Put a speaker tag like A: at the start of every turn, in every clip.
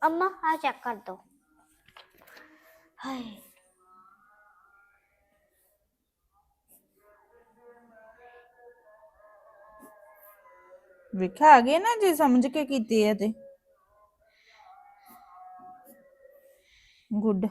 A: अम्मा हाँ चेक कर दो। हाय
B: ਵੇਖਿਆ ਆ ਗਏ ਨਾ ਜੇ ਸਮਝ ਕੇ ਕੀਤੀ ਹੈ ਤੇ ਗੁੱਡ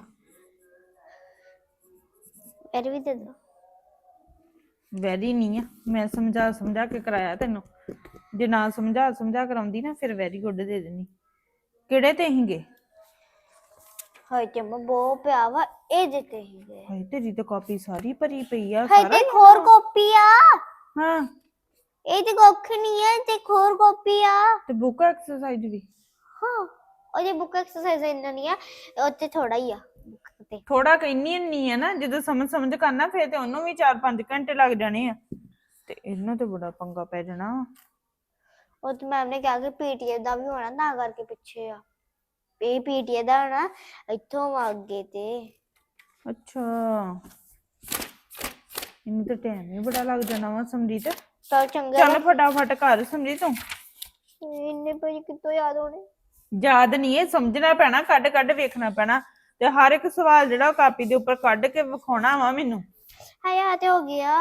A: मेरे भी दे दो।
B: ਵੈਰੀ ਨਹੀਂ ਆ ਮੈਂ ਸਮਝਾ ਕੇ ਕਰਾਇਆ ਤੈਨੂੰ ਜੇ ਨਾ ਸਮਝਾ ਕਰਾਉਂਦੀ ਨਾ ਫਿਰ ਵੈਰੀ ਗੁੱਡ ਦੇ ਦੇਣੀ ਕਿਹੜੇ ਤੇ ਹੀਗੇ
A: हाय ते अम्मा बहुत प्या वा ए देते ही गए।
B: ਹਾਏ ਤੇਰੀ ਤਾਂ ਕਾਪੀ ਸਾਰੀ ਭਰੀ ਪਈ ਆ
A: हाय
B: ਸਾਰਾ
A: ते खोर कॉपी आ
B: ਹਾਂ
A: ए ते कोख नहीं है ते खोर कॉपी आ।
B: ਤੇ ਬੁੱਕ ਐਕਸਰਸਾਈਜ਼ ਵੀ
A: हाँ और ये बुक एक्सरसाइज इतना नहीं है ओते थोड़ा ही आ बुक ते।
B: ਥੋੜਾ ਕਹਿੰਨੀ ਨਹੀਂ ਆ ਨਾ ਜਦੋਂ ਸਮਝ ਕਰਨਾ ਫਿਰ ਤੇ ਉਹਨੂੰ ਵੀ 4-5 ਘੰਟੇ ਲੱਗ ਜਾਣੇ ਆ ਤੇ ਇਹਨੂੰ ਤੇ ਬੜਾ ਪੰਗਾ ਪੈ ਜਾਣਾ
A: और तो मैम ने कहा कि पीटीए दा भी होना ना करके पीछे आ ए पीटीए दा होना इथों आगे ते।
B: ਅੱਛਾ ਇਹਨੂੰ ਤਾਂ ਟਾਈਮ ਹੀ ਬੜਾ ਲੱਗ ਜਾਣਾ ਵਾ ਸਮਰੀਤ
A: चल चंगा
B: ਚੱਲ ਫਟਾਫਟ ਕਰ ਸਮਰੀਤ ਤੂੰ
A: इन्ने पे कितो याद होने।
B: ਯਾਦ ਨਹੀਂ ਇਹ ਸਮਝਣਾ ਪੈਣਾ ਕੱਢ ਵੇਖਣਾ ਪੈਣਾ ਤੇ ਹਰ ਇੱਕ ਸਵਾਲ ਜਿਹੜਾ ਉਹ ਕਾਪੀ ਦੇ ਉੱਪਰ ਕੱਢ ਕੇ ਵਿਖਾਉਣਾ ਵਾ ਮੈਨੂੰ
A: हाँ याद हो गया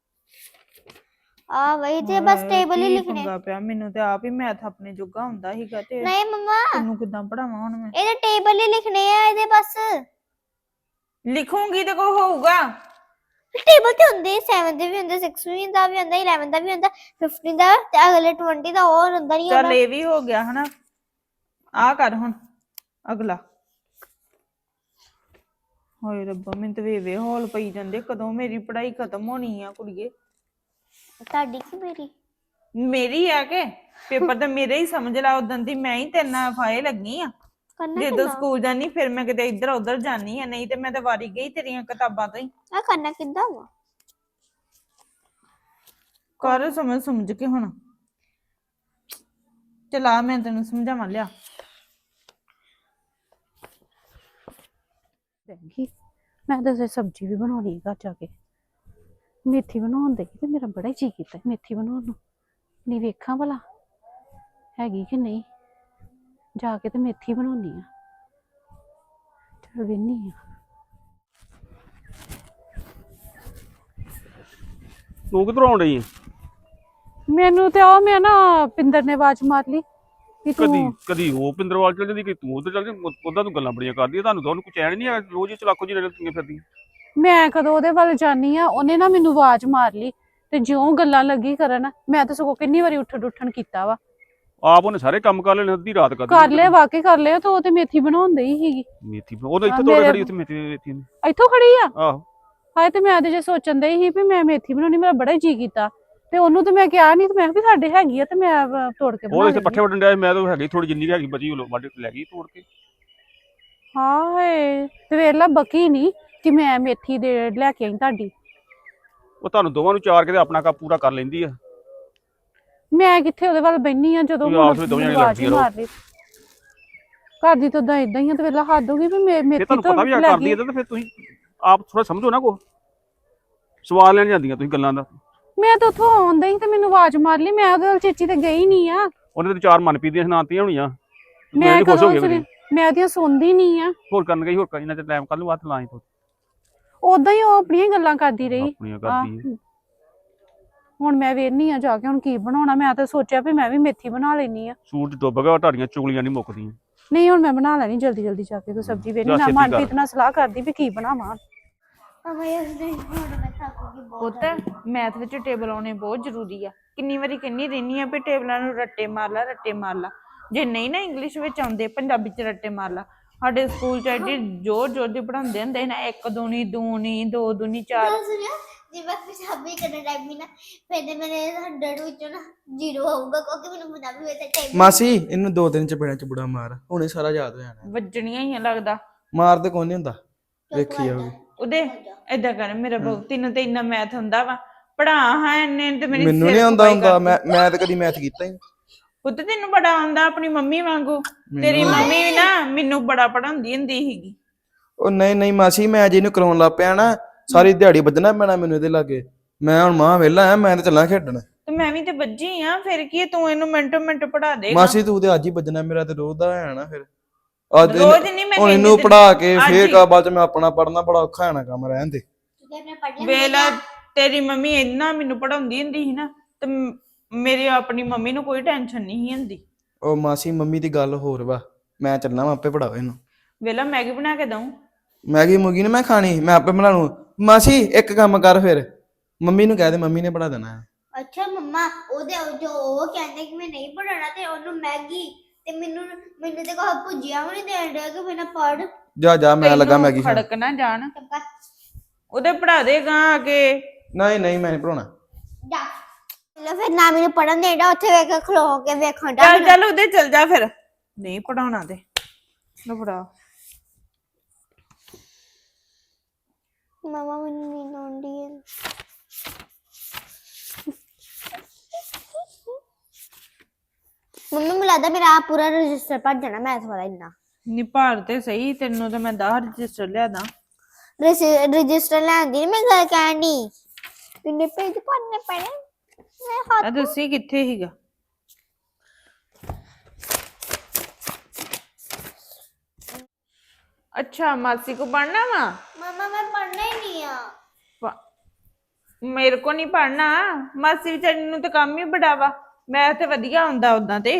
A: आ वही थे बस टेबल ही
B: ਕੀ
A: लिखने।
B: ਪੰਗਾ ਪਿਆ ਮੈਨੂੰ ਤੇ ਆਪ ਹੀ ਮੈਥ ਆਪਣੇ ਜੋਗਾ ਹੁੰਦਾ ਸੀਗਾ ਤੇ
A: नहीं मम्मा
B: ਤੈਨੂੰ ਕਿੱਦਾਂ ਪੜਾਵਾਂ ਹੁਣ ਮੈਂ
A: ये टेबल ही लिखने हैं ये बस
B: ਲਿਖੂੰਗੀ ਤੇ ਕੋ ਹੋਊਗਾ
A: टेबल ते ਹੁੰਦੇ 7 ਦੇ ਵੀ ਹੁੰਦੇ 6 ਦਾ ਵੀ ਹੁੰਦਾ 11 ਦਾ ਵੀ ਹੁੰਦਾ 15 ਦਾ ਤੇ ਅਗਲੇ 20 ਦਾ ਹੋਰ ਹੁੰਦਾ ਨਹੀਂ
B: ਚੱਲ
A: ਹੁੰਦਾ।
B: ਇਹ ਵੀ ਹੋ ਗਿਆ ਹਨਾ ਆ ਕਰ ਹੁਣ ਅਗਲਾ ਹਾਏ ਰੱਬਾ ਮੈਨੂੰ ਤੇ ਵੇ ਹੌਲ ਪਈ ਜਾਂਦੇ ਕਦੋਂ ਮੇਰੀ ਪੜ੍ਹਾਈ ਖਤਮ ਹੋਣੀ ਆ ਕੁੜੀਏ
A: ਤੁਹਾਡੀ ਕੀ ਮੇਰੀ
B: ਮੇਰੀ ਆ ਕੇ ਪੇਪਰ ਤਾਂ ਮੇਰੇ ਹੀ ਸਮਝ ਲਾ ਉਦੋਂ ਦੀ ਮੈਂ ਹੀ ਤੇਰੇ ਨਾਲ ਫਾਏ ਲੱਗੀ ਆ
A: ਕਰਨਾ
B: ਜਦੋਂ
A: ਕਿੱਦਾਂ
B: ਸਕੂਲ ਜਾਨੀ ਫਿਰ ਮੈਂ ਕਿਤੇ ਇੱਧਰ ਉੱਧਰ ਜਾਨੀ ਆ ਨਹੀਂ ਤੇ ਮੈਂ ਤਾਂ ਵਾਰੀ ਗਈ ਤੇਰੀਆਂ ਕਿਤਾਬਾਂ ਤੋਂ ਹੀ
A: ਆ ਕਰਨਾ ਕਿੱਦਾਂ ਵਾ
B: ਕਰ ਸਮਝ ਕੇ ਹੁਣ ਚਲਾ ਮੈਂ ਤੈਨੂੰ ਸਮਝਾਵਾਂ ਲਿਆ
C: ਮੈਂ ਤਾਂ ਸਬਜ਼ੀ ਵੀ ਬਣਾਉਣੀ ਘਰ ਜਾ ਕੇ ਮੇਥੀ ਬਣਾਉਣ ਦੇ ਤੇ ਮੇਰਾ ਬੜਾ ਜੀ ਕੀਤਾ ਮੇਥੀ ਬਣਾਉਣ ਨੂੰ ਨਹੀਂ ਵੇਖਾਂ ਭਲਾ ਹੈਗੀ ਕਿ ਨਹੀਂ ਜਾ ਕੇ ਤੇ ਮੇਥੀ ਬਣਾਉਣੀ ਆ ਚਲ ਵੇਨੀ ਆ
D: ਤੂੰ ਕਿੱਧਰੋਂ ਆਉਣ ਡਈ ਆਂ?
C: ਮੈਨੂੰ ਤੇ ਉਹ ਮੈਂ ਨਾ ਪਿੰਦਰ ਨੇ ਆਵਾਜ਼ ਮਾਰ ਲਈ ਕਿ
D: ਕਦੀ ਉਹ ਪਿੰਦਰਵਾਲ ਚਲ ਜਾਂਦੀ ਕਿ ਤੂੰ ਉਧਰ ਚਲ ਜਾਂਦੀ ਉਹਦਾ ਤੂੰ ਗੱਲਾਂ ਬੜੀਆਂ ਕਰਦੀ ਆ ਤੁਹਾਨੂੰ ਤਾਂ ਉਹਨੂੰ ਕੋਈ ਚੈਨ ਨਹੀਂ ਆ ਰੋਜ਼ ਹੀ ਚਲਾਕੋ ਜੀ ਰਲਦੀਆਂ ਫਿਰਦੀਆਂ
C: ਮੈਂ ਕਦੋਂ ਉਹਦੇ ਵੱਲ ਜਾਨੀ ਆ ਉਹਨੇ ਨਾ ਮੈਨੂੰ ਆਵਾਜ਼ ਮਾਰ ਲਈ ਤੇ ਜਿਉਂ ਗੱਲਾਂ ਲੱਗੀ ਕਰਨ ਮੈਂ ਤਾਂ ਸਗੋਂ ਕਿੰਨੀ ਵਾਰੀ ਉੱਠਣ ਕੀਤਾ ਵਾ
D: ਆਪ ਉਹਨੇ ਸਾਰੇ ਕੰਮ ਕਰ ਲਏ ਅੱਧੀ ਰਾਤ
C: ਕਰ ਲਿਆ ਵਾਕਈ ਕਰ ਲਿਆ ਤਾਂ ਉਹ ਤੇ ਮੇਥੀ ਬਣਾਉਂਦੇ ਹੀ ਸੀਗੀ
D: ਮੇਥੀ ਉਹ ਤਾਂ ਇੱਥੇ ਤੋੜੇ ਖੜੀ ਉੱਥੇ ਮੇਥੀ ਨੇ
C: ਇੱਥੋਂ ਖੜੀ ਆ
D: ਆਹੋ
C: ਹਾਏ ਤੇ ਮੈਂ ਤੇ ਜੇ ਸੋਚਣ ਦੇ ਸੀ ਵੀ ਮੈਂ ਮੇਥੀ ਬਣਾਉਣੀ ਮੇਰਾ ਬੜਾ ਜੀ ਕੀਤਾ ਤੇ ਉਹਨੂੰ ਤੇ ਮੈਂ ਕਿਹਾ ਨਹੀਂ ਤੇ ਮੈਂ ਵੀ ਸਾਡੇ ਹੈਗੀ ਆ ਤੇ ਮੈਂ ਤੋੜ ਕੇ
D: ਉਹ
C: ਬਣਾ
D: ਇੱਥੇ
C: ਲਈ
D: ਪੱਠੇ ਵੱਢਣ ਡਿਆ ਮੈਂ ਤਾਂ ਹੈਗੀ ਥੋੜੀ ਜਿੰਨੀ ਹੈਗੀ ਬਚੀ ਉਹ ਵੱਢ ਲੈ ਗਈ ਤੋੜ ਕੇ
C: ਹਾਏ ਤੇ ਵੇਲਾ ਬਕੀ ਨਹੀਂ ਕਿ ਮੈਂ ਮੇਥੀ ਦੇ ਲੈ ਕੇ ਆਈ ਤੁਹਾਡੀ
D: ਉਹ ਤੁਹਾਨੂੰ ਦੋਵਾਂ ਨੂੰ ਚਾਰ ਕੇ ਤੇ ਆਪਣਾ ਕੰਮ ਪੂਰਾ ਕਰ ਲੈਂਦੀ ਆ
C: ਮੈਂ ਕਿੱਥੇ ਉਹਦੇ ਵੱਲ ਬੈਣੀ ਆ ਜਦੋਂ
D: ਤੁਸੀਂ ਆਪਸ ਵਿੱਚ ਦੋਵੇਂ ਜਣੇ ਲੜਦੀਆਂ ਰਹੋ।
C: ਮਾਰ ਲਈ ਘਰ ਦੀ ਤਾਂ ਇਦਾਂ ਹੀ ਆ ਤੇ ਵੇਲਾ ਹੱਦ ਹੋ ਗਈ ਵੀ
D: ਜੇ
C: ਮੇਥੀ
D: ਤੁਹਾਨੂੰ
C: ਤੋਂ
D: ਪਤਾ ਵੀ ਆ
C: ਲੈ
D: ਕਰਦੀ
C: ਗਈ
D: ਆ ਤਾਂ ਫਿਰ ਤੁਸੀਂ ਆਪ ਥੋੜਾ ਸਮਝੋ ਨਾ ਕੋ ਸਵਾਲ ਲੈਣ ਜਾਂਦੀਆਂ ਤੁਸੀਂ ਗੱਲਾਂ ਦਾ
C: ਮੈਂ ਤਾਂ ਉੱਥੋਂ ਆਉਂਦਾ ਹੀ ਤੇ ਮੈਨੂੰ ਆਵਾਜ਼ ਮਾਰ ਲਈ ਮੈਂ ਉਹਦੇ ਵੱਲ ਚੇਚੀ ਤੇ ਗਈ ਨਹੀਂ ਆ
D: ਉਹਨੇ ਤੇ ਚਾਰ ਮਨਪ੍ਰੀਤ ਦੀਆਂ ਸੁਣਾਤੀਆਂ ਹੋਣੀਆਂ
C: ਮੈਂ
D: ਮੈਂ ਖੁਸ਼ ਹੋ ਗਿਆ
C: ਮੈਂ ਉਹਦੀਆਂ ਸੁਣਦੀ ਨਹੀਂ ਆ
D: ਹੋਰ ਕਰਨ ਗਈ ਹੋਰ ਇਹਨਾਂ ਤੇ ਟਾਈਮ ਕੱਲ ਨੂੰ ਬਾਅਦ ਲਾਈ ਤੂੰ
C: ਉਦਾਂ ਹੀ ਉਹ ਆਪਣੀਆਂ ਗੱਲਾਂ ਕਰਦੀ ਰਹੀ
D: ਆਪਣੀਆਂ ਕਰਦੀ
C: ਹੁਣ ਮੈਂ ਵੇਖਨੀ ਆ ਜਾ ਕੇ ਹੁਣ ਕੀ ਬਣਾਉਣਾ ਮੈਂ ਤਾਂ ਸੋਚਿਆ ਵੀ ਮੈਂ ਵੀ ਮੇਥੀ ਬਣਾ ਲੈਣੀ ਆ
D: ਸੂਰਜ ਡੁੱਬ ਗਿਆ ਤੁਹਾਡੀਆਂ ਚੁਗਲੀਆਂ ਨਹੀਂ ਮੁੱਕਦੀਆਂ
C: ਨਹੀਂ ਹੁਣ ਮੈਂ ਬਣਾ ਲੈਣੀ ਜਲਦੀ ਜਾ ਕੇ ਕੋਈ ਸਬਜ਼ੀ ਵੇਖਣੀ ਨਾ ਮਨਪ੍ਰੀਤ ਨਾਲ ਸਲਾਹ ਕਰਦੀ ਵੀ ਕੀ ਬਣਾਵਾਂ
A: ਅਮਾ ਯਾਰ ਨਹੀਂ ਹੁਣ ਮੈਂ ਥੱਕੂਗੀ ਬਹੁਤ।
B: ਪੁੱਤ ਮੈਥ ਵਿੱਚ ਟੇਬਲ ਆਉਣੇ ਬਹੁਤ ਜ਼ਰੂਰੀ ਆ ਕਿੰਨੀ ਵਾਰੀ ਕਹਿੰਨੀ ਰਹਿਨੀ ਆ ਵੀ ਟੇਬਲਾਂ ਨੂੰ ਰੱਟੇ ਮਾਰ ਲਾ ਜੇ ਨਹੀਂ ਨਾ ਇੰਗਲਿਸ਼ ਵਿੱਚ ਆਉਂਦੇ ਪੰਜਾਬੀ ਚ ਰੱਟੇ ਮਾਰ ਲਾ ਸਾਡੇ ਸਕੂਲ ਚ ਐਡੀ ਜ਼ੋਰ ਦੀ ਪੜਾਉਂਦੇ ਹੁੰਦੇ ਨਾ 1 ਦੂਣੀ 2 ਦੂਣੀ 4
A: ਸੁਣਿਆ ਜੇ ਮੈਂ ਪੰਜਾਬੀ ਕਰਨ ਟਾਈਮ ਵੀ ਨਾ ਫਿਰ ਮੇਰੇ 100 ਵਿੱਚੋਂ ਨਾ 0 ਆਊਗਾ ਕਿਉਂਕਿ ਮੈਨੂੰ ਪੰਜਾਬੀ ਵਿੱਚ ਟਾਈਮ
E: ਮਾਸੀ ਇਹਨੂੰ 2 ਦਿਨ ਚ ਬੜਾ ਚਬੜਾ ਮਾਰ ਹੁਣੇ ਸਾਰਾ ਯਾਦ ਹੋ ਜਾਣਾ
B: ਵੱਜਣੀਆਂ ਹੀ ਆ ਲੱਗਦਾ
E: ਮਾਰ ਤੇ ਕੋਈ ਨਹੀਂ ਹੁੰਦਾ ਵੇਖੀ ਜਾਓਗੇ
B: ਉਹਦੇ ਏਦਾਂ ਕਰ ਮੇਰਾ ਬਹੁਤ ਤੈਨੂੰ ਤੇ ਇੰਨਾ ਮੈਥ ਹੁੰਦਾ ਵਾ ਪੜਾ ਹਾਂ ਇੰਨੇ ਤੇ ਮੇਰੀ
E: ਮੈਨੂੰ
B: ਸਿਰ
E: ਨਹੀਂ ਆਉਂਦਾ
B: ਖਪਾਈ
E: ਹੁੰਦਾ
B: ਕਰਦੀ।
E: ਮੈਂ ਤਾਂ ਕਦੀ ਮੈਥ ਕੀਤਾ ਹੀ
B: ਪੁੱਤ ਤੈਨੂੰ ਬੜਾ ਆਉਂਦਾ ਆਪਣੀ ਮੰਮੀ ਵਾਂਗੂ ਤੇਰੀ ਮੰਮੀ ਵੀ ਨਾ ਮੈਨੂੰ ਬੜਾ ਪੜਾਉਂਦੀ ਹੁੰਦੀ ਸੀਗੀ
E: ਉਹ ਨਹੀਂ ਮਾਸੀ ਮੈਂ ਜੇ ਇਹਨੂੰ ਕਰਾਉਣ ਲੱਗ ਪਿਆ ਨਾ ਸਾਰੀ ਦਿਹਾੜੀ ਵੱਜਣਾ ਪੈਣਾ ਮੈਨੂੰ ਇਹਦੇ ਲਾਗੇ ਮੈਂ ਹੁਣ ਮਾਂ ਵਿਹਲਾ ਆ ਮੈਂ ਤਾਂ ਚੱਲਾਂ ਖੇਡਣ
B: ਤੇ ਮੈਂ ਵੀ ਤੇ ਵੱਜੀ ਆ ਫਿਰ ਕੀ ਤੂੰ ਇਹਨੂੰ ਮਿੰਟੋ ਮਿੰਟ ਪੜਾ ਦੇ
E: ਮਾਸੀ ਤੂੰ ਤੇ ਅੱਜ ਹੀ ਵੱਜਣਾ ਮੇਰਾ ਤੇ ਰੋਜ਼ ਦਾ ਹੈ ਨਾ ਫਿਰ ਅੱਜ
B: ਰੋਜ਼ ਨਹੀਂ ਮੈਂ
E: ਹੁਣ
B: ਕਹਿੰਦੀ
E: ਇਹਨੂੰ
B: ਤੈਨੂੰ।
E: ਪੜਾ ਕੇ
B: ਅੱਜ
E: ਫੇਰ
B: ਹੀ।
E: ਕਾ ਬਾਅਦ ਚ ਮੈਂ ਆਪਣਾ ਪੜਨਾ ਬੜਾ ਔਖਾ ਹੋਣਾ ਕੰਮ ਰਹਿਣ ਦੇ।
A: ਤੂੰ ਆਪਣੇ ਪੜ੍ਹ ਲੈ
B: ਵੇਲਾ ਤੇਰੀ ਮੰਮੀ ਇੰਨਾ ਮੈਨੂੰ ਪੜਾਉਂਦੀ ਹੁੰਦੀ ਸੀ ਨਾ ਤੇ ਮੇਰੀ ਆਪਣੀ ਮੰਮੀ ਨੂੰ ਕੋਈ ਟੈਨਸ਼ਨ ਨਹੀਂ ਸੀ ਹੁੰਦੀ।
E: ਉਹ ਮਾਸੀ ਮੰਮੀ ਦੀ ਗੱਲ ਹੋਰ ਵਾ, ਮੈਂ ਚੱਲਣਾ ਵਾ ਆਪੇ ਪੜਾਓ ਇਹਨੂੰ।
B: ਵੇਲਾ ਮੈਗੀ ਬਣਾ ਕੇ ਦਊਂ।
E: ਮੈਗੀ ਮੁਗੀ ਨੇ ਮੈਂ ਖਾਣੀ, ਮੈਂ ਆਪੇ ਬਣਾ ਲੂੰ। ਮਾਸੀ ਇੱਕ ਕੰਮ ਕਰ ਫਿਰ, ਮੰਮੀ ਨੂੰ ਕਹਿ ਦੇ, ਮੰਮੀ ਨੇ ਪੜਾ ਦੇਣਾ ਹੈ।
A: ਅੱਛਾ ਮੰਮਾ ਉਹਦੇ ਜੋ ਉਹ ਕਹਿੰਦੇ ਕਿ ਮੈਂ ਨਹੀਂ ਪੜਾਉਣਾ ਤੇ ਉਹਨੂੰ ਮੈਗੀ ਤੇ ਮੈਨੂੰ ਤੇ ਕੋਈ ਭੁਜੀਆ ਵੀ ਨਹੀਂ ਦੇਣ ਡਿਆ ਕਿ ਮੈਂ ਪੜ।
E: ਜਾ ਜਾ ਮੈਂ ਲੱਗਾ
B: ਤੈਨੂੰ
E: ਮੈਗੀ ਖਾਣ।
B: ਖੜਕ ਨਾ ਜਾਣ ਉਹਦੇ ਪੜਾ ਦੇਗਾ ਆ ਕੇ।
E: ਨਹੀਂ ਨਹੀਂ ਮੈਂ ਨਹੀਂ ਪੜਾਉਣਾ।
A: ਜਾ ਲੈ ਫਿਰ ਨਾ ਮੈਨੂੰ ਪੜਨ ਦੇਣਾ ਉੱਥੇ ਵੇਖ ਖਲੋ ਕੇ ਵੇਖਣ ਦਾ
B: ਚੱਲ ਚੱਲ ਉਹਦੇ ਚੱਲ ਜਾ ਫਿਰ। ਨਹੀਂ ਪੜਾਉਣਾ ਤੇ ਲੋ ਪੜਾ।
A: ਮਮਾ ਮੈਨੂੰ ਨੀਂਦ ਆਉਂਦੀ ਹੈ। ਮੰਮੀ ਮੈਨੂੰ ਲੱਗਦਾ ਮੇਰਾ ਆਹ ਪੂਰਾ ਰਜਿਸਟਰ ਭਰ ਜਾਣਾ ਮੈਥ ਵਾਲਾ ਇੰਨਾ।
B: ਨੀ ਭਾਰ ਤੇ ਸਹੀ, ਤੈਨੂੰ ਤਾਂ ਮੈਂ 10 ਰਜਿਸਟਰ ਲਿਆ ਦਾਂ।
A: ਰਜਿਸਟਰ ਲੈਣ ਦੀ ਨੀ ਮੈਂ ਗੱਲ ਕਹਿਣ ਡਈ। ਕਿੰਨੇ ਪੇਜ ਭਰਨੇ ਪੈਣੇ ਮੈਂ
B: ਆ ਦੱਸੀ ਕਿੱਥੇ ਹੀਗਾ। ਅੱਛਾ ਮਾਸੀ ਕੋ ਪੜਨਾ ਵਾ।
A: ਮਮਾ ਮੈਂ ਪੜਨਾ ਹੀ ਨਹੀਂ ਆ।
B: ਮੇਰੇ ਕੋ ਨਹੀਂ ਪੜਨਾ। ਮਾਸੀ ਵਿਚਾਰੀ ਨੂੰ ਤਾਂ ਕੰਮ ਹੀ ਬੜਾ ਵਾ। ਮੈਂ ਤੇ ਵਧੀਆ ਹੁੰਦਾ ਉਦਾਂ ਤੇ।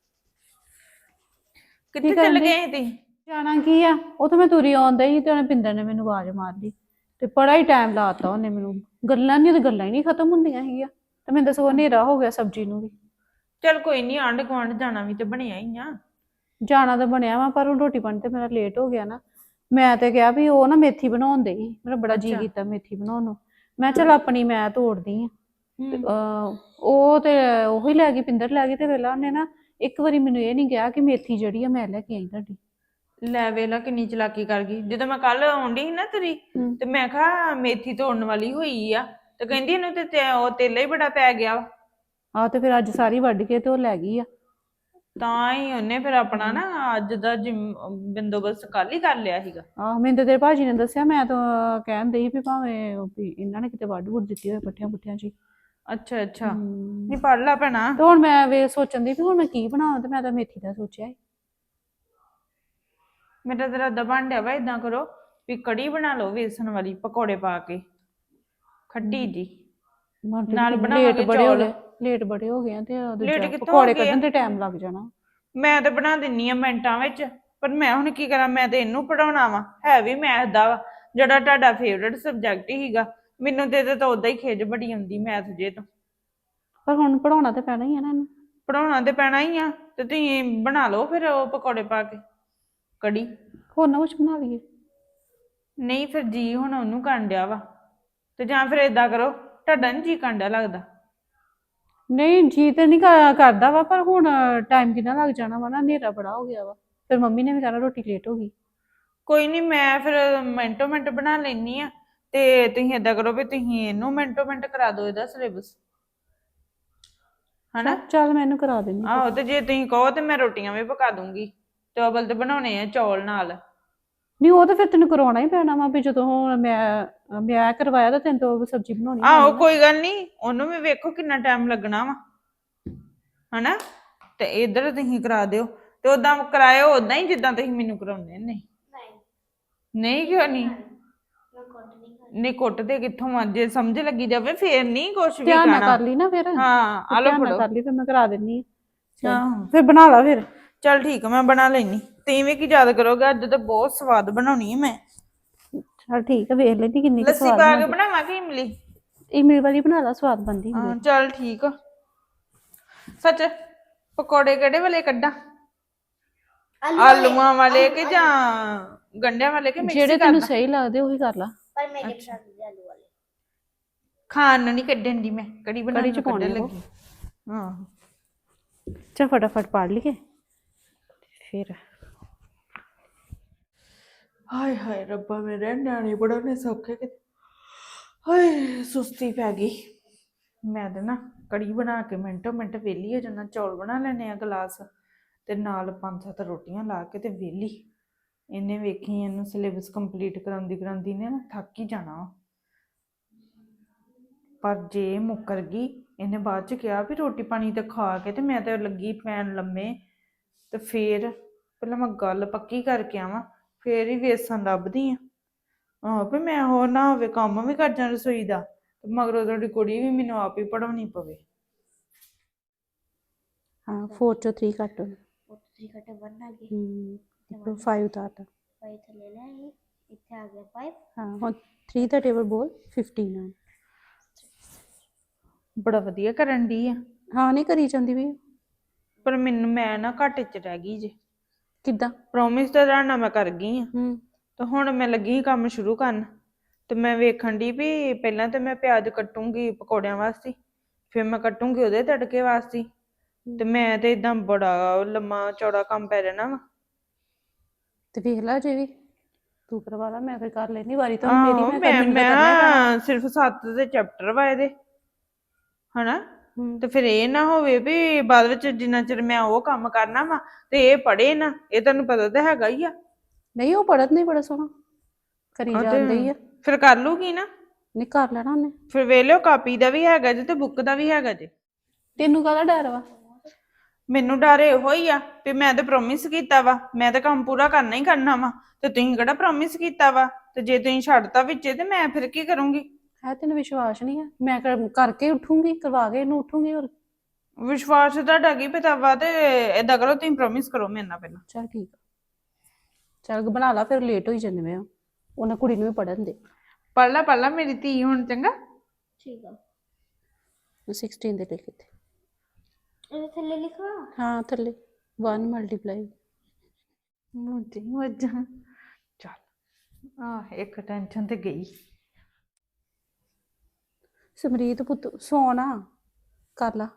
B: ਕਿੱਥੇ ਚੱਲ ਗਏ ਸੀ ਤੁਸੀਂ?
C: ਜਾਣਾ ਕੀ ਆ, ਉਹ ਤਾਂ ਮੈਂ ਤੁਰੀ ਆਉਂਦਾ ਸੀ ਤੇ ਉਹਨੇ ਪਿੰਦਰ ਨੇ ਮੈਨੂੰ ਆਵਾਜ਼ ਮਾਰ ਲਈ ਤੇ ਬੜਾ ਹੀ ਟਾਈਮ ਲਾਤਾ ਉਹਨੇ ਮੈਨੂੰ। ਗੱਲਾਂ ਹੀ ਨਹੀਂ ਖਤਮ ਹੁੰਦੀਆਂ ਹੈਗੀਆਂ ਤੇ ਮੈਨੂੰ ਤਾਂ ਸਗੋਂ ਹਨੇਰਾ ਹੋ ਗਿਆ ਸਬਜ਼ੀ ਨੂੰ ਵੀ।
B: ਚੱਲ ਕੋਈ ਨਹੀਂ, ਆਂਢ ਗੁਆਂਢ ਜਾਣਾ ਵੀ ਤੇ ਬਣਿਆ ਹੀ ਆ।
C: ਜਾਣਾ ਤਾਂ ਬਣਿਆ ਵਾ ਪਰ ਹੁਣ ਰੋਟੀ ਪਾਣੀ ਤੇ ਮੇਰਾ ਲੇਟ ਹੋ ਗਿਆ ਨਾ। ਮੈਂ ਤੇ ਕਿਹਾ ਵੀ ਉਹ ਨਾ ਮੇਥੀ ਬਣਾਉਣ ਦੇ ਸੀ, ਮੇਰਾ ਬੜਾ ਜੀ ਕੀਤਾ ਮੇਥੀ ਬਣਾਉਣ ਨੂੰ। ਮੈਂ ਚੱਲ ਆਪਣੀ ਮੈਂ ਤੋੜਦੀ ਆ। ਉਹ ਤੇ ਉਹੀ ਲੈ ਗਈ, ਪਿੰਦਰ ਲੈ ਗਈ ਤੇ ਵੇਲਾ ਉਹਨੇ ਨਾ ਇੱਕ ਵਾਰੀ ਮੈਨੂੰ ਇਹ ਨਹੀਂ ਕਿਹਾ ਕਿ ਮੇਥੀ ਜਿਹੜੀ ਆ ਮੈਂ ਲੈ ਕੇ ਆਈ ਤੁਹਾਡੀ।
B: ਲੈ ਵੇਲਾ ਕਿੰਨੀ ਚਲਾਕੀ ਕਰ ਗਈ। ਜਦੋਂ ਮੈਂ ਕੱਲ ਆਉਂਦੀ ਸੀ ਨਾ ਤੇਰੀ ਤੇ ਮੈਂ ਕਿਹਾ ਮੇਥੀ ਤੋੜਨ ਵਾਲੀ ਹੋਈ ਆ ਤੇ ਕਹਿੰਦੀ ਇਹਨੂੰ ਤੇ ਉਹ ਤੇਲਾ ਹੀ ਬੜਾ ਪੈ ਗਿਆ ਵਾ।
C: ਆਹ ਤੇ ਫਿਰ ਅੱਜ ਸਾਰੀ ਵੱਢ ਕੇ ਤੇ ਉਹ ਲੈ ਗਈ ਆ।
B: ਤਾਂ ਹੀ ਉਹਨੇ ਫਿਰ ਆਪਣਾ ਨਾ ਅੱਜ ਦਾ ਬੰਦੋਬਸਤ ਕੱਲ ਹੀ ਕਰ ਲਿਆ ਸੀਗਾ।
C: ਆਹ ਮੈਨੂੰ ਤੇ ਤੇਰੇ ਭਾਜੀ ਨੇ ਦੱਸਿਆ, ਮੈਂ ਤਾਂ ਕਹਿਣ ਡਈ ਵੀ ਭਾਵੇਂ ਵੀ ਇਹਨਾਂ ਨੇ ਕਿਤੇ ਵੱਢ ਵੁੱਢ ਦਿੱਤੀ ਹੋਏ ਪੱਠਿਆਂ ਪੁੱਠਿਆਂ ਚ।
B: ਅੱਛਾ ਅੱਛਾ, ਨਹੀਂ ਪੜ ਲਾ ਭੈਣਾ।
C: ਤੇ ਹੁਣ ਮੈਂ ਵੇ ਸੋਚਣ ਦੀ ਵੀ ਹੁਣ ਮੈਂ ਕੀ ਬਣਾਵਾਂ ਤੇ ਮੈਂ ਤਾਂ ਮੇਥੀ ਦਾ ਸੋਚਿਆ ਸੀ।
B: ਮੇਰਾ ਤਾਂ ਇਰਾਦਾ ਬਣ ਡਿਆ ਵਾ ਏਦਾਂ ਕਰੋ ਵੀ ਕੜੀ ਬਣਾ ਲਓ ਵੇਸਣ ਵਾਲੀ ਪਕੌੜੇ ਪਾ ਕੇ ਖੱਟੀ ਜੀ। ਨਾਲ ਬਣਾਵਾਂਗੇ ਚੌਲ।
C: ਲੇਟ ਬੜੇ ਹੋ ਗਏ ਆ ਤੇ
B: ਲੇਟ
C: ਦੂਜਾ
B: ਕਿੱਥੋਂ
C: ਪਕੌੜੇ
B: ਹੋ ਗਏ ਆ?
C: ਕੱਢਣ ਤੇ ਟਾਈਮ ਲੱਗ ਜਾਣਾ।
B: ਮੈਂ ਤਾਂ ਬਣਾ ਦਿੰਨੀ ਆ ਮਿੰਟਾਂ ਵਿੱਚ, ਪਰ ਮੈਂ ਹੁਣ ਕੀ ਕਰਾਂ, ਮੈਂ ਤੇ ਇਹਨੂੰ ਪੜਾਉਣਾ ਵਾ। ਹੈ ਵੀ ਮੈਥ ਦਾ ਵਾ ਜਿਹੜਾ ਤੁਹਾਡਾ ਫੇਵਰਟ ਸਬਜੈਕਟ ਹੀਗਾ। ਮੈਨੂੰ ਤੇ ਤਾਂ ਉਦਾਂ ਹੀ ਖਿਜ ਬੜੀ ਆਉਂਦੀ ਮੈਥ ਜੇ ਤੋਂ।
C: ਪਰ ਹੁਣ ਪੜਾਉਣਾ ਤੇ ਪੈਣਾ ਹੀ ਆ ਨਾ ਇਹਨੂੰ।
B: ਪੜਾਉਣਾ ਤੇ ਪੈਣਾ ਹੀ ਆ ਤੇ ਤੁਸੀਂ ਬਣਾ ਲਓ ਫਿਰ ਉਹ ਪਕੌੜੇ ਪਾ ਕੇ ਕੜੀ।
C: ਹੋਰ ਨਾ ਕੁਛ ਬਣਾ ਲਈਏ।
B: ਨਹੀਂ ਫਿਰ ਜੀ ਹੁਣ ਉਹਨੂੰ ਕਰਨ ਡਿਆ ਵਾ ਤੇ ਜਾਂ ਫਿਰ ਏਦਾਂ ਕਰੋ, ਤੁਹਾਡਾ ਨੀ ਜੀ ਕਰਨ ਡਿਆ ਲੱਗਦਾ।
C: ਨਹੀਂ ਜੀ ਤੇ ਨਹੀਂ ਕਰਦਾ ਵਾ ਪਰ ਹੁਣ ਟਾਈਮ ਕਿੰਨਾ ਲੱਗ ਜਾਣਾ ਵਾ ਨਾ, ਹਨੇਰਾ ਬੜਾ ਹੋ ਗਿਆ ਵਾ। ਫਿਰ ਮੰਮੀ ਨੇ ਵੀ ਕਹਿਣਾ ਰੋਟੀ ਲੇਟ ਹੋ ਗਈ।
B: ਕੋਈ ਨਹੀਂ, ਮੈਂ ਫਿਰ ਮਿੰਟੋ ਮਿੰਟ ਬਣਾ ਲੈਣੀ ਆ ਤੇ ਤੁਸੀਂ ਏਦਾਂ ਕਰੋ ਵੀ ਤੁਸੀਂ ਇਹਨੂੰ ਮਿੰਟੋ ਮਿੰਟ ਕਰਾ ਦਿਓ ਇਹਦਾ ਸਿਲੇਬਸ, ਹਨਾ?
C: ਚੱਲ ਮੈਂ ਇਹਨੂੰ ਕਰਾ ਦਿੰਦੀ।
B: ਆਹੋ, ਤੇ ਜੇ ਤੁਸੀਂ ਕਹੋ ਤੇ ਮੈਂ ਰੋਟੀਆਂ ਵੀ ਪਕਾ ਦੂੰਗੀ। ਚਾਵਲ ਤੇ ਬਣਾਉਣੇ ਆ ਚੌਲ ਨਾਲ।
C: ਨਹੀਂ ਉਹ ਤਾਂ ਫਿਰ ਤੈਨੂੰ ਕਰਵਾਉਣਾ ਹੀ ਪੈਣਾ ਵਾ ਵੀ ਜਦੋਂ ਹੁਣ ਮੈਂ ਕਰਵਾਇਆ ਤਾਂ ਤੈਨੂੰ ਤਾਂ ਸਬਜ਼ੀ ਬਣਾਉਣੀ
B: ਆਹੋ ਕੋਈ ਗੱਲ ਨਹੀਂ, ਉਹਨੂੰ ਵੀ ਵੇਖੋ ਕਿੰਨਾ ਟਾਈਮ ਲੱਗਣਾ ਵਾ, ਹਨਾ? ਤੇ ਇੱਧਰ ਤੁਸੀਂ ਕਰਾ ਦਿਓ ਤੇ ਓਦਾਂ ਕਰਾਇਓ ਓਦਾਂ ਹੀ ਜਿੱਦਾਂ ਤੁਸੀਂ ਮੈਨੂੰ ਕਰਾਉਂਦੇ ਨੇ। ਨਹੀਂ ਕਿਉਂ ਨਹੀਂ? ਨਹੀਂ ਕੁੱਟਦੇ ਕਿੱਥੋਂ ਆ? ਜੇ ਸਮਝ ਲੱਗੀ ਜਾਵੇ ਫੇਰ ਨਹੀਂ ਕੁਛ ਵੀ
C: ਧਿਆਨ ਨਾਲ
B: ਕਹਿਣਾ।
C: ਕਰ ਲਈ ਨਾ ਫਿਰ।
B: ਹਾਂ ਆ ਲਓ
C: ਧਿਆਨ ਨਾਲ
B: ਫੜੋ।
C: ਕਰ ਲਈ ਫਿਰ ਮੈਂ ਕਰਾ ਦਿੰਨੀ ਆ।
B: ਆਹੋ
C: ਫਿਰ ਬਣਾ ਲਾ ਫਿਰ।
B: ਚੱਲ ਠੀਕ ਆ, ਮੈਂ ਬਣਾ ਲੈਣੀ। ਤੁਸੀਂ ਵੀ ਕੀ ਯਾਦ ਕਰੋਗੇ, ਅੱਜ ਤਾਂ ਬਹੁਤ ਸਵਾਦ ਬਣਾਉਣੀ ਹੈ ਮੈਂ।
C: ਚੱਲ ਠੀਕ ਆ, ਵੇਖ ਲੈਂਦੀ ਕਿੰਨੀ ਕੁ
B: ਲੱਸੀ
C: ਸਵਾਦ
B: ਪਾ ਕੇ
C: ਬਣਦੀ।
B: ਬਣਾਵਾਂ ਕਿ ਇਮਲੀ?
C: ਇਮਲੀ ਵਾਲੀ ਬਣਾ ਲਾ, ਸਵਾਦ ਬਣਦੀ ਹੁੰਦੀ
B: ਹਾਂ
C: ਆ।
B: ਚੱਲ ਠੀਕ ਆ। ਸੱਚ ਪਕੌੜੇ ਕਿਹੜੇ ਵਾਲੇ ਕੱਢਾਂ? ਆਲੂਆਂ ਵਾਲੇ ਕਿ ਜਾਂ ਗੰਢਿਆਂ ਵਾਲੇ ਕਿ ਮਿਕਸ
C: ਜਿਹੜੇ
B: ਕਰਦਾ?
C: ਤੈਨੂੰ ਸਹੀ ਲੱਗਦੇ ਉਹੀ ਕਰ ਲਾ।
A: ਪਰ ਮੇਰੇ ਪਸੰਦ ਦੇ ਆਲੂ ਵਾਲੇ।
B: ਖਾਣ ਨੂੰ ਨਹੀਂ ਕੱਢਣ ਦੀ, ਮੈਂ ਕੜੀ ਬਣਾਉਣ
C: ਕੜੀ ਚ
B: ਨੂੰ
C: ਪਾਉਣੇ
B: ਕੱਢਣ
C: ਆ ਉਹ।
B: ਲੱਗੀ। ਹਾਂ
C: ਚੱਲ ਫਟਾਫਟ ਪੜ ਲਈਏ ਫਿਰ।
B: ਹਾਏ ਹਾਏ ਰੱਬਾ, ਮੇਰੇ ਨਿਆਣੇ ਪੜਾਉਣੇ ਸੌਖੇ ਕਿ ਹਾਏ ਸੁਸਤੀ ਪੈ ਗਈ। ਮੈਂ ਤਾਂ ਨਾ ਕੜੀ ਬਣਾ ਕੇ ਮਿੰਟੋ ਮਿੰਟ ਵਿਹਲੀ ਹੋ ਜਾਣਾ। ਚੌਲ ਬਣਾ ਲੈਣੇ ਆ ਗਲਾਸ ਤੇ ਨਾਲ 5-7 ਰੋਟੀਆਂ ਲਾ ਕੇ ਤੇ ਵਿਹਲੀ। ਇਹਨੇ ਵੇਖੀ ਇਹਨੂੰ ਸਿਲੇਬਸ ਕੰਪਲੀਟ ਕਰਾਉਂਦੀ ਨੇ ਨਾ ਥੱਕ ਹੀ ਜਾਣਾ ਵਾ। ਪਰ ਜੇ ਮੁੱਕਰ ਗਈ, ਇਹਨੇ ਬਾਅਦ ਚ ਕਿਹਾ ਵੀ ਰੋਟੀ ਪਾਣੀ ਤੇ ਖਾ ਕੇ ਤੇ ਮੈਂ ਤੇ ਲੱਗੀ ਪੈਣ ਲੰਮੇ ਤੇ ਫੇਰ ਪਹਿਲਾਂ ਮੈਂ ਗੱਲ ਪੱਕੀ ਕਰਕੇ ਆਵਾਂ, ਫੇਰ ਹੀ ਵੇਸਣ ਲੱਭਦੀ ਆ। ਵੀ ਮੈਂ ਹੋਰ ਨਾ ਹੋਵੇ ਕੰਮ ਵੀ ਕਰ ਜਾਂ ਰਸੋਈ ਦਾ, ਤੇ ਮਗਰੋਂ ਤੁਹਾਡੀ ਕੁੜੀ ਵੀ ਮੈਨੂੰ ਆਪ ਹੀ ਪੜਾਉਣੀ ਪਵੇ।
C: ਹਾਂ 4 ਚੋਂ 3 ਕੱਟ
A: ਉਹ 3 ਕੱਟੇ 1 ਆ ਗਏ।
C: ਹੂੰ 5 ਉਤਾਰਤਾ।
A: 5 ਥੱਲੇ ਲੈ ਆਈ, ਇੱਥੇ ਆ ਗਿਆ 5।
C: ਹਾਂ ਹੁਣ 3 ਦਾ ਟੇਬਲ ਬੋਲ 15 ਆ।
B: ਬੜਾ ਵਧੀਆ ਕਰਨ ਦੀ ਆ,
C: ਹਾਂ ਨਹੀਂ ਕਰੀ ਜਾਂਦੀ ਵੀ।
B: ਪਰ ਮੈਂ ਨਾ ਘਾਟੇ 'ਚ ਰਹਿ ਗਈ ਜੇ।
C: ਕਿੱਦਾਂ?
B: ਪ੍ਰੋਮਿਸ ਤਾਂ ਤੁਹਾਡੇ ਨਾਲ ਮੈਂ ਕਰ ਗਈ ਆ,
C: ਹੂੰ
B: ਤੇ ਹੁਣ ਮੈਂ ਲੱਗੀ ਸੀ ਕੰਮ ਸ਼ੁਰੂ ਕਰਨ। ਤੇ ਮੈਂ ਵੇਖਣ ਦੀ ਵੀ ਪਹਿਲਾਂ ਤੇ ਮੈਂ ਪਿਆਜ਼ ਕੱਟੂੰਗੀ ਪਕੌੜਿਆਂ ਵਾਸਤੇ, ਫਿਰ ਮੈਂ ਕੱਟੂੰਗੀ ਉਹਦੇ ਤੜਕੇ ਵਾਸਤੇ, ਤੇ ਮੈਂ ਤੇ ਇਦਾਂ ਬੜਾ ਲੰਮਾ ਚੌੜਾ ਕੰਮ ਪੈ ਜਾਣਾ ਵਾ।
C: ਤੇ ਵੇਖ ਲਾ ਜੇ ਵੀ ਤੂੰ ਕਰਵਾ ਲਾ, ਮੈਂ ਫਿਰ ਕਰ ਲੈਣੀ ਵਾਰੀ ਤਾਂ ਹੁਣ ਮੇਰੀ, ਮੈਂ
B: ਮੈਂ
C: ਮੈਨੂੰ ਤਾਂ ਕਰਨਾ ਹੀ ਪੈਣਾ।
B: ਸਿਰਫ 7 ਦੇ ਚੈਪਟਰ ਵਾ ਇਹਦੇ, ਹਨਾ।
C: ਹੂੰ
B: ਤੇ ਫਿਰ ਇਹ ਨਾ ਹੋਵੇ ਵੀ ਬਾਅਦ ਵਿੱਚ ਜਿੰਨਾ ਚਿਰ ਮੈਂ ਉਹ ਕੰਮ ਕਰਨਾ ਵਾ ਤੇ ਇਹ ਪੜ੍ਹੇ ਨਾ, ਇਹ ਤੁਹਾਨੂੰ ਪਤਾ ਤਾਂ ਹੈਗਾ ਹੀ ਆ।
C: ਨਹੀਂ ਉਹ ਪੜ੍ਹਨ ਨਹੀਂ ਬੜਾ ਸੋਹਣਾ ਕਰੀ ਜਾਂਦੇ ਹੀ ਆ।
B: ਫਿਰ ਕਰ ਲੂਗੀ ਨਾ,
C: ਨਹੀਂ ਕਰ ਲੈਣਾ ਉਹਨੇ।
B: ਫਿਰ ਵੇਖ ਲਿਓ ਕਾਪੀ ਦਾ ਵੀ ਹੈਗਾ ਜੇ ਤੇ ਬੁੱਕ ਦਾ ਵੀ ਹੈਗਾ ਜੇ।
C: ਤੈਨੂੰ ਕਾਹਦਾ ਡਰ ਵਾ?
B: ਮੈਨੂੰ ਡਰ ਇਹੋ ਹੀ ਆ ਵੀ ਮੈਂ ਤਾਂ ਪ੍ਰੋਮਿਸ ਕੀਤਾ ਵਾ, ਮੈਂ ਤਾਂ ਕੰਮ ਪੂਰਾ ਕਰਨਾ ਹੀ ਕਰਨਾ ਵਾ, ਤੇ ਤੁਸੀਂ ਕਿਹੜਾ ਪ੍ਰੋਮਿਸ ਕੀਤਾ ਵਾ, ਤੇ ਜੇ ਤੁਸੀਂ ਛੱਡਤਾ ਵਿੱਚੇ ਤੇ ਮੈਂ ਫਿਰ ਕੀ ਕਰੂੰਗੀ?
C: ਹੈ ਤੈਨੂੰ ਵਿਸ਼ਵਾਸ ਨਹੀਂ ਆ? ਮੈਂ ਕਰਕੇ ਉੱਠੂੰਗੀ, ਕਰਵਾ ਕੇ ਇਹਨੂੰ ਉੱਠੂੰਗੀ। ਹੋਰ
B: ਵਿਸ਼ਵਾਸ ਤੁਹਾਡਾ ਕੀ ਪਤਾ ਵਾ, ਤੇ ਏਦਾਂ ਕਰੋ ਤੁਸੀਂ ਪ੍ਰੋਮਿਸ ਕਰੋ ਮੇਰੇ ਨਾਲ ਪਹਿਲਾਂ।
C: ਚੱਲ ਠੀਕ ਆ, ਚੱਲ ਬਣਾ ਲਾ, ਫਿਰ ਲੇਟ ਹੋਈ ਜਾਂਦੇ ਮੈਂ। ਉਹਨਾਂ ਕੁੜੀ ਨੂੰ ਵੀ ਪੜ੍ਹਨ ਦੇ।
B: ਪੜ੍ਹ ਲਾ ਮੇਰੀ ਧੀ ਹੁਣ, ਚੰਗਾ।
A: ਠੀਕ ਆ।
C: 16 ਦੇ ਲਿਖ ਇੱਥੇ।
A: ਇਹਦੇ ਥੱਲੇ ਲਿਖਵਾ।
C: ਹਾਂ ਥੱਲੇ 1 ਮਲਟੀਪਲਾਈ।
B: ਮੁੱਝੇ ਮੱਝਾਂ। ਚੱਲ ਇੱਕ ਟੈਨਸ਼ਨ ਤੇ ਗਈ।
C: ਸਮਰੀਤ ਪੁੱਤ ਸੋਣਾ, ਕਰ ਲਾ।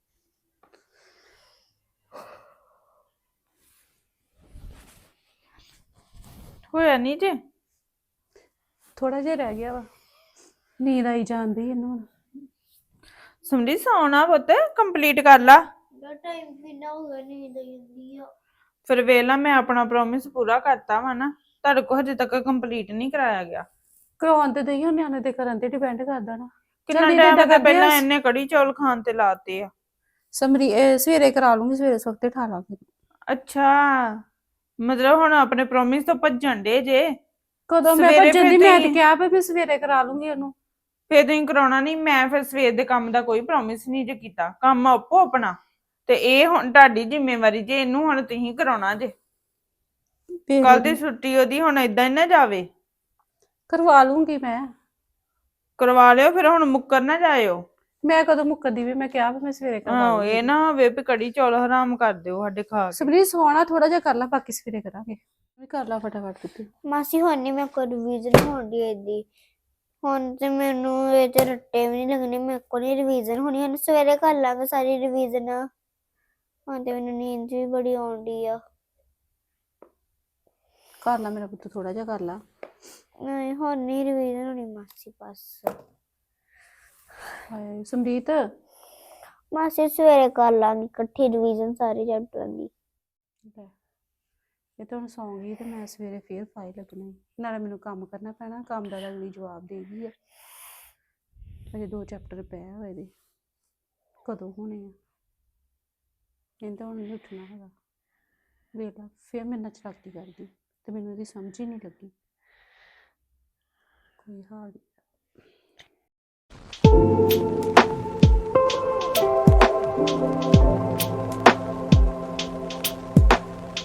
B: ਹੋਇਆ ਨਹੀਂ ਜੇ?
C: ਥੋੜਾ ਜਿਹਾ ਰਹਿ ਗਿਆ ਵਾ, ਨੀਂਦ ਆਈ ਜਾਂਦੀ ਇਹਨੂੰ ਹੁਣ।
B: ਸਮਝੀ ਸੌਣਾ ਪੁੱਤ, ਕੰਪਲੀਟ ਕਰ ਲਾ।
A: ਦਾ ਟਾਈਮ ਕਿੰਨਾ ਹੋ ਗਿਆ, ਨੀਂਦ ਆਈ ਜਾਂਦੀ ਆ।
B: ਫਿਰ ਵੇਲਾ ਮੈਂ ਆਪਣਾ ਪ੍ਰੋਮਿਸ ਪੂਰਾ ਕਰਤਾ ਵਾ ਨਾ, ਤੁਹਾਡੇ ਕੋਲ ਹਜੇ ਤੱਕ ਕੰਪਲੀਟ ਨਹੀਂ ਕਰਾਇਆ ਗਿਆ।
C: ਕਰਵਾਉਣ ਤੇ ਦਈ, ਨਿਆਣੇ ਦੇ ਕਰਨ ਤੇ ਡਿਪੈਂਡ ਕਰਦਾ ਨਾ।
B: ਕਿੰਨਾ ਟਾਈਮ ਤੇ ਪਹਿਲਾਂ ਇਹਨੇ ਕੜੀ ਚੌਲ ਖਾਣ ਤੇ ਲਾਤੇ ਆ।
C: ਸਵੇਰੇ ਕਰਾ ਲੂੰਗੀ, ਸਵੇਰੇ ਸਵਖਤੇ ਠਾ ਲਾਂਗੇ।
B: ਅੱਛਾ, ਮਤਲਬ ਹੁਣ ਆਪਣੇ ਪ੍ਰੋਮਿਸ ਤੋਂ ਭੱਜਣ ਦੇ ਜੇ।
C: ਕਦੋਂ ਮੈਂ
B: ਸਵੇਰੇ
C: ਭੱਜਣ ਦੀ?
B: ਫਿਰ
C: ਮੈਂ ਤੇ
B: ਤੁਸੀਂ-
C: ਕਿਹਾ ਵੀ ਸਵੇਰੇ ਕਰਾ ਲੂੰਗੀ ਉਹਨੂੰ।
B: ਫਿਰ ਤੁਸੀਂ ਕਰਾਉਣਾ ਨਹੀਂ, ਮੈਂ ਫਿਰ ਸਵੇਰ ਦੇ ਕੰਮ ਦਾ ਕੋਈ ਪ੍ਰੋਮਿਸ ਨਹੀਂ ਜੇ ਕੀਤਾ। ਕੰਮ ਆਪੋ ਆਪਣਾ, ਤੇ ਇਹ ਹੁਣ ਤੁਹਾਡੀ ਜ਼ਿੰਮੇਵਾਰੀ ਜੇ, ਇਹਨੂੰ ਹੁਣ ਤੁਸੀਂ ਕਰਾਉਣਾ ਜੇ। ਕੱਲ ਦੀ ਛੁੱਟੀ ਉਹਦੀ ਹੁਣ ਏਦਾਂ ਹੀ ਨਾ ਜਾਵੇ।
C: ਕਰਵਾ ਲੂੰਗੀ ਮੈਂ।
B: ਕਰਵਾ ਲਿਓ, ਫਿਰ ਹੁਣ ਮੁੱਕਰ ਨਾ ਜਾਇਓ।
C: ਮੈਂ ਕਦੋਂ ਮੁੱਕਦੀ ਵੀ? ਮੈਂ ਕਿਹਾ ਵੀ ਮੈਂ ਸਵੇਰੇ ਕਰਵਾ
B: ਆਹੋ,
C: ਲੂੰਗੀ।
B: ਇਹ ਨਾ ਹੋਵੇ ਵੀ ਕੜੀ ਚੌਲ ਹਰਾਮ ਕਰ ਦਿਓ ਸਾਡੇ ਖਾ ਕੇ।
C: ਸਬਰੀ ਸੋਣਾ ਥੋੜਾ ਜਿਹਾ ਕਰ ਲਾ, ਬਾਕੀ ਸਵੇਰੇ ਕਰਾਂਗੇ। ਵੀ ਕਰ ਲਾ ਫਟਾਫਟ ਪੁੱਤ।
A: ਮਾਸੀ ਹੁਣ ਨਹੀਂ ਮੈਂ ਕੋਈ ਰਿਵੀਜ਼ਨ ਹੋਣੀ ਇਹਦੀ। ਹੁਣ ਤੇ ਮੈਨੂੰ ਇਹ ਤੇ ਰੱਟੇ ਵੀ ਨਹੀਂ ਲੱਗਣੇ, ਮੇਰੇ ਕੋਲ ਨਹੀਂ ਰਿਵੀਜ਼ਨ ਹੋਣੀ। ਹੁਣ ਸਵੇਰੇ ਕਰ ਲਾਂਗੇ ਸਾਰੀ ਰਿਵੀਜ਼ਨ। ਹੁਣ ਤੇ ਮੈਨੂੰ ਨੀਂਦ ਵੀ ਬੜੀ ਆਉਂਦੀ ਆ।
C: ਕਰ ਲਾ ਮੇਰਾ ਪੁੱਤ, ਥੋੜਾ ਜਿਹਾ ਕਰ ਲਾ।
A: ਨਹੀਂ ਹੁਣ ਨਹੀਂ ਰਿਵੀਜ਼ਨ ਹੋਣੀ ਮਾਸੀ, ਬਸ।
C: ਹਾਏ ਸਮਰੀਤ,
A: ਮਾਸੀ ਸਵੇਰੇ ਕਰ ਲਾਂਗੀ ਇਕੱਠੀ ਰਿਵੀਜ਼ਨ ਸਾਰੇ ਚੈਪਟਰਾਂ ਦੀ।
C: ਇਹ ਤਾਂ ਹੁਣ ਸੌਂ ਗਈ ਤੇ ਮੈਂ ਸਵੇਰੇ ਫੇਰ ਫਾਈਲ ਲੱਗਣੀ, ਨਾਲੇ ਮੈਨੂੰ ਕੰਮ ਕਰਨਾ ਪੈਣਾ। ਕੰਮ ਦਾ ਅਗਲੀ ਜਵਾਬ ਦੇ ਗਈ ਆ। ਅਜੇ 2 ਚੈਪਟਰ ਪਏ ਹੋਏ ਦੇ, ਕਦੋਂ ਹੋਣੇ ਆ? ਇਹਨੇ ਤਾਂ ਹੁਣ ਨਹੀਂ ਉੱਠਣਾ ਹੈਗਾ। ਵੇਖ ਲਾ ਫਿਰ ਮੇਰੇ ਨਾਲ ਚਲਾਕੀ ਕਰਦੀ, ਤੇ ਮੈਨੂੰ ਇਹਦੀ ਸਮਝ ਹੀ ਨਹੀਂ ਲੱਗੀ। ਕੋਈ ਹਾਲ ਨਹੀਂ।